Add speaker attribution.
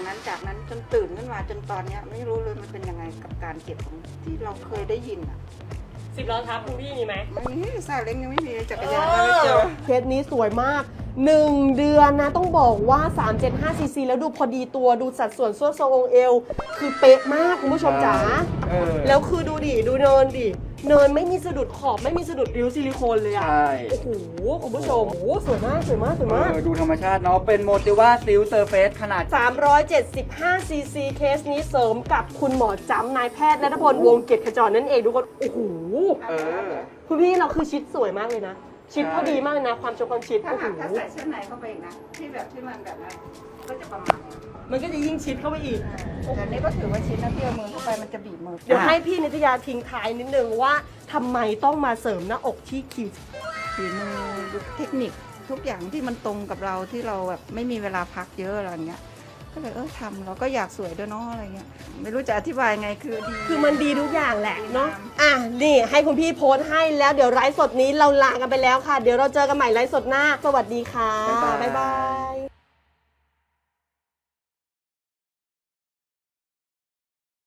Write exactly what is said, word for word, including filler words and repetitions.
Speaker 1: นั้นจากนั้นจนตื่นขึ้นมาจนตอนนี้ไม่รู้เลยมันเป็นยังไงกับการเก็บของที่เราเคยได้ยินอ่ะ
Speaker 2: สิบล้อทับคุณพี่มีไหม
Speaker 1: ไม่มีซาเล้งยังไม่มีจักรยานก็ไม่เจอ
Speaker 3: เคสนี้สวยมากหนึ่งเดือนนะต้องบอกว่าสามเจ็ดห้าซีซีแล้วดูพอดีตัวดูสัดส่วนส่วนทรงองค์เอวคือเป๊ะมากคุณผู้ชมจ๋า
Speaker 4: เออ
Speaker 3: แล้วคือดูดิดูเนินดิเนินไม่มีสะดุดขอบไม่มีสะดุดริ้วซิลิโคนเลยอะ
Speaker 4: ใช่
Speaker 3: โอ้โหคุณผู้ชมโอ้โหสวยมากสวยมากสวย
Speaker 4: เอ
Speaker 3: มาก
Speaker 4: อดูธรรมชาติเนาะเป็นโมติว่าซิลเซอร์เฟสขนาด
Speaker 3: สามร้อยเจ็ดสิบห้าซีซีเคสนี้เสริมกับคุณหมอจำนายแพทย์ณัฐพลวงศ์เกียรติขจรนั่นเองทุกคนโอ้โห
Speaker 4: เออ
Speaker 3: คุณพี่เราคือชิดสวยมากเลยนะ ชิดพอดีมากเลยนะ ความชมความชิด
Speaker 1: ถ้า
Speaker 3: โอ้โห
Speaker 1: หากถ้าใส่เสื้อในเข้าไปอีกนะที่แบบที่มันแบบนั้นก็จะประมาณนี้
Speaker 3: มันก็จะยิ่งชิดเข้าไปอีก
Speaker 1: แต่นี้ก็ถือว่าชิ้นนะที่เอามือเข้าไปมันจะบีบมือ
Speaker 3: เดี๋ยวให้พี่นิตยาทิ้งท้ายนิดนึงว่าทำไมต้องมาเสริมหน้าอกที่คิว
Speaker 1: ฝีมือเทคนิคทุกอย่างที่มันตรงกับเราที่เราแบบไม่มีเวลาพักเยอะอะไรเงี้ยก็เลยเออทำเราก็อยากสวยด้วยเนาะอะไรเงี้ยไม่รู้จะอธิบายไงคือดี
Speaker 3: คือมันดีทุกอย่างแหละเนาะ อ่ะ นี่ให้คุณพี่โพสต์ให้แล้วเดี๋ยวไลฟ์สดนี้เราลากันไปแล้วค่ะ เดี๋ยวเราเจอกันใหม่ไลฟ์สดหน้า สวัสดีค่ะ
Speaker 4: บ๊ายบาย
Speaker 3: บ๊ายบา